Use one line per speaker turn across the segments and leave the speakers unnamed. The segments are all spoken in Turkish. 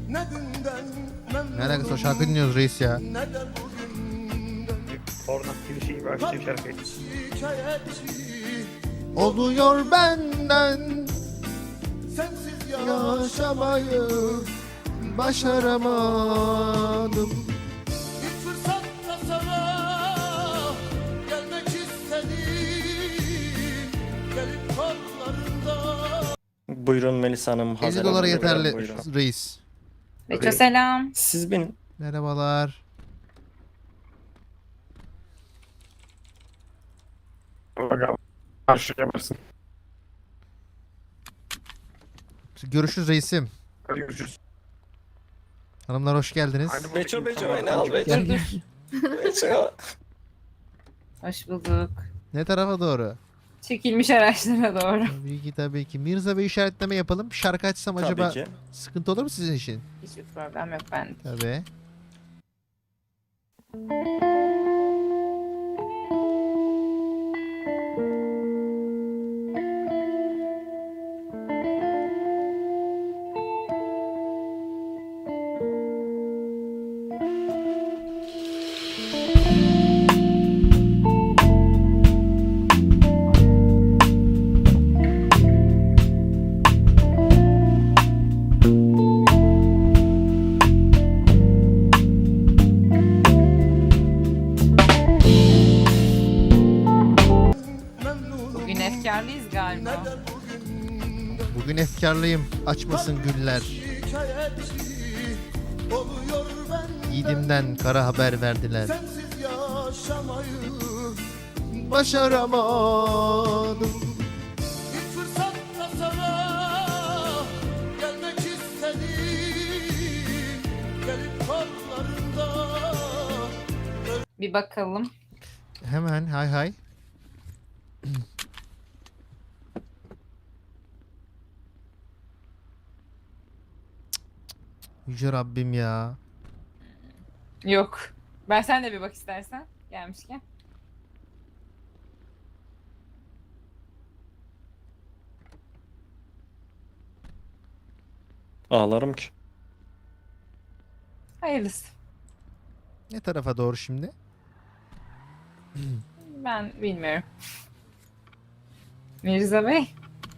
Ne alakası o şarkı dinliyoruz reis ya.
Oradan bir şey başlayayım şarkıyı.
Oluyor benden yaşamayı başaramadım.
Bir fırsatta sana gelmek istedim. Gelip kollarında.
Buyurun Melisa Hanım.
50
Hazer
dolara
Hanım,
yeterli
buyurun.
reis.
Beço selam.
Siz benim.
Merhabalar.
Bakalım. Karşılayamazsın.
Görüşürüz reisim.
Hadi görüşürüz.
Hanımlar hoş geldiniz.
Hadi
Beço
bakayım,
Beço
tamam.
beni al Beço.
Dur dur.
Beço.
Hoş bulduk.
Ne tarafa doğru?
Çekilmiş araçlara doğru.
Tabii ki tabii ki. Mirza Bey işaretleme yapalım. Şarkı açsam
Tabii
acaba
ki.
sıkıntı olur mu sizin için?
Hiçbir problem yok bende.
Tabii.
Bugün efkarlıyız galiba.
Bugün efkarlıyım. Açmasın güller.
Oluyor benden
Yiğidimden kara haber verdiler.
sensiz yaşamayı.
Başaramadım.
Bir fırsatta sana gelmek istedim. Gelip kollarında.
Bir bakalım.
Hemen hay hay. Yüce Rabbim ya.
Yok. Ben sen de bir bak istersen. Gelmişken.
Ağlarım ki.
Hayırlısı.
Ne tarafa doğru şimdi?
Ben bilmiyorum. Mirza Bey.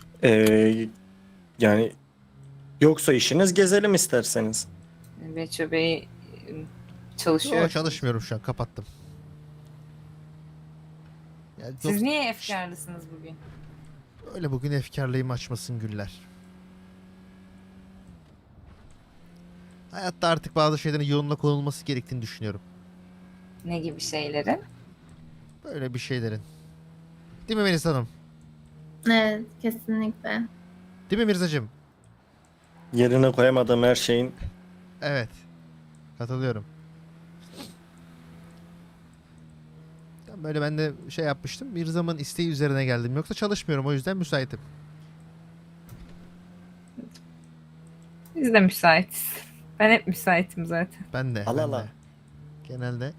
Yani yoksa işiniz gezelim isterseniz.
Beço Bey çalışıyor.
Yok çalışmıyorum şu an kapattım. Yani
Siz niye efkarlısınız bugün?
öyle bugün efkarlıyım açmasın güller. Hayatta artık bazı şeylerin yoluna konulması gerektiğini düşünüyorum.
Ne gibi şeylerin?
Böyle bir şeylerin. Değil mi Melis Hanım?
Evet, kesinlikle.
Değil mi Mirzacığım?
Yerine koyamadığım her şeyin
Evet. Katılıyorum. Böyle ben de şey yapmıştım. Mirza'mın isteği üzerine geldim. Yoksa çalışmıyorum o yüzden müsaitim.
Biz de müsaitiz. Ben hep müsaitim zaten.
Ben de.
Al
ben
al al.
de. Genelde.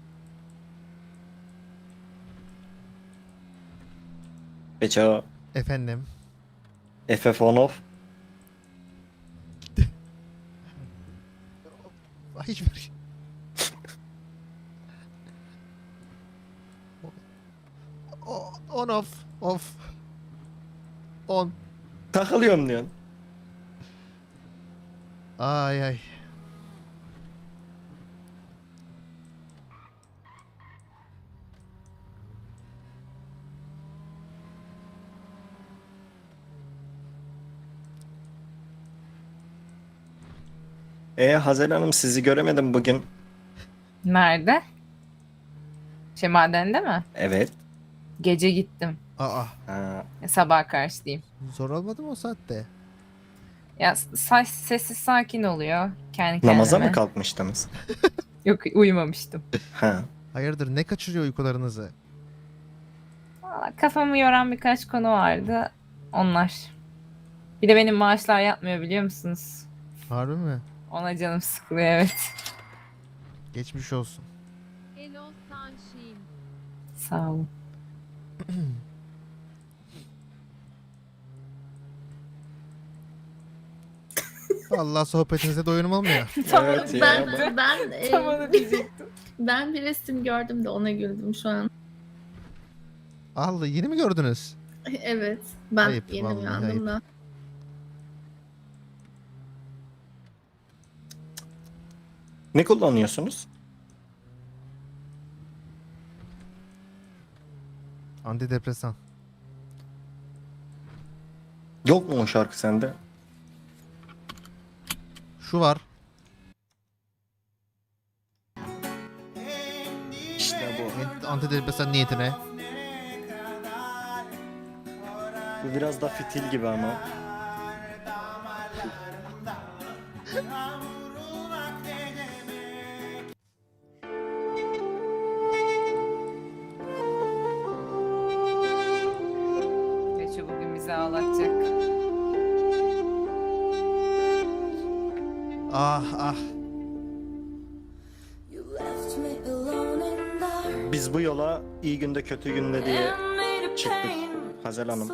Beço.
Efendim.
FF on off.
Hiçbir şey. On off. Off. On.
Takılıyorum diyorsun.
Ay ay.
Hazel Hanım sizi göremedim bugün.
Nerede? Madende mi?
Evet.
Gece gittim.
Aa.
Ha,
Sabah karşı diyeyim.
Zor olmadı mı o saatte?
Ya sessiz sakin oluyor. Kendi kendime.
namaza mı kalkmıştınız?
Yok uyumamıştım.
Ha.
Hayırdır ne kaçırıyor uykularınızı?
Vallahi kafamı yoran birkaç konu vardı. Onlar. Bir de benim maaşlar yatmıyor biliyor musunuz?
Harbi mi?
Ona canım sıkılıyor evet.
Geçmiş olsun.
Hello Sunshine.
Sağ olun.
Allah sohbetinize doyunum olmuyor.
Tam
Evet
onu
ya.
Ben
Tam onu diyecektim.
ben bir resim gördüm de ona güldüm şu an.
Allah, yeni mi gördünüz?
Evet. Ben
Ayıp,
yeni
vallahi
uyandım
ayıp.
da.
Ne kullanıyorsunuz?
Antidepresan.
Yok mu o şarkı sende?
Şu var.
İşte bu.
Antidepresan niyetine.
Bu biraz da fitil gibi ama.
Beço bugün bizi ağlatacak.
Ah ah.
Biz bu yola iyi günde kötü günde diye çıktık Hazel Hanım.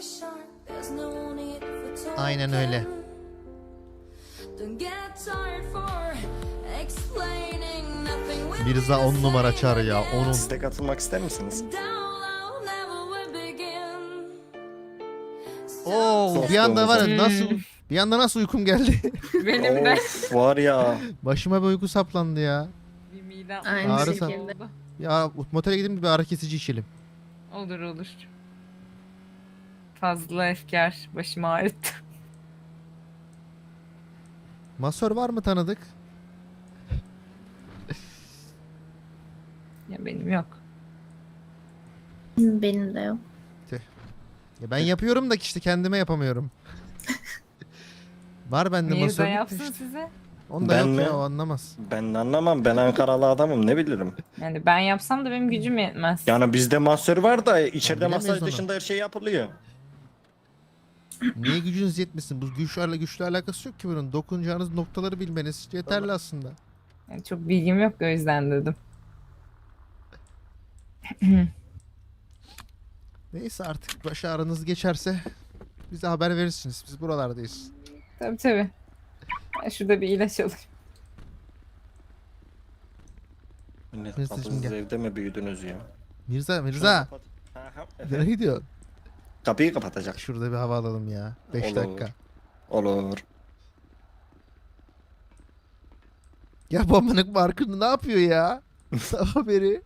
Aynen öyle. Mirza 10 numara çağır ya. Onun.
Siz de katılmak ister misiniz?
Oo, bir anda var ya, nasıl bir anda nasıl uykum geldi.
Benim de
Of, var ya.
Başıma bir uyku saplandı ya.
bir midem
Aynı
Ağrısa-
şekilde.
oldu.
Ya motele gidip bir ağrı kesici içelim.
Olur olur. Fazla efkar başımı ağrıttı.
Masör var mı tanıdık?
Ya benim yok.
Benim de yok.
Ya ben yapıyorum da işte kendime yapamıyorum. Var bende
Mirza
masör.
yapsın size.
Onda
Ben
yok
mi?
ya, o anlamaz.
Ben de anlamam. Ben Ankaralı adamım. Ne bilirim?
Yani ben yapsam da benim gücüm yetmez.
Yani bizde masör var da içeride
bilemeyiz
masaj
onu.
dışında her şey yapılıyor.
Niye gücünüz yetmesin? Bu güçle alakası yok ki bunun. Dokunacağınız noktaları bilmeniz yeterli aslında.
Yani çok bilgim yok o yüzden dedim.
Neyse, artık baş ağrınız geçerse bize haber verirsiniz. Biz buralardayız.
Tabii tabii. Ben şurada bir ilaç alayım.
Millet
Neyse,
kapısız
şimdi gel.
evde mi büyüdünüz ya?
Mirza,
Şunu
Mirza.
kapat. Aha, efendim.
Nereye gidiyorsun?
Kapıyı kapatacak.
Şurada bir hava alalım ya. 5
Olur.
dakika.
Olur.
Ya bu amınık markını ne yapıyor ya? Sabah beri.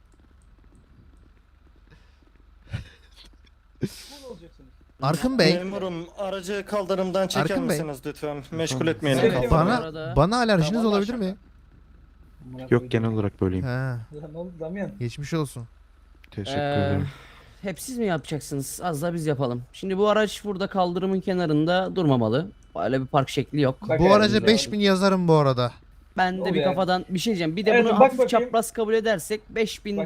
Arkın Bey,
Memurum, aracı kaldırımdan çeker
Arkın Bey.
misiniz lütfen? Meşgul etmeyelim
Evet.
kaldırımı.
bana alerjiniz olabilir mi?
Yok, genel olarak böyleyim.
Ha,
Ne oldu Damyan?
geçmiş olsun.
Teşekkür ederim.
Hep siz mi yapacaksınız? Az da biz yapalım. Şimdi bu araç burada kaldırımın kenarında durmamalı. Öyle bir park şekli yok.
Bak
Bu
yani,
araca
güzel.
5000 yazarım bu arada.
Ben de bir
Oluyor.
kafadan bir şey diyeceğim. Bir de
Evet,
bunu
bak
hafif
bakayım.
çapraz kabul edersek 5000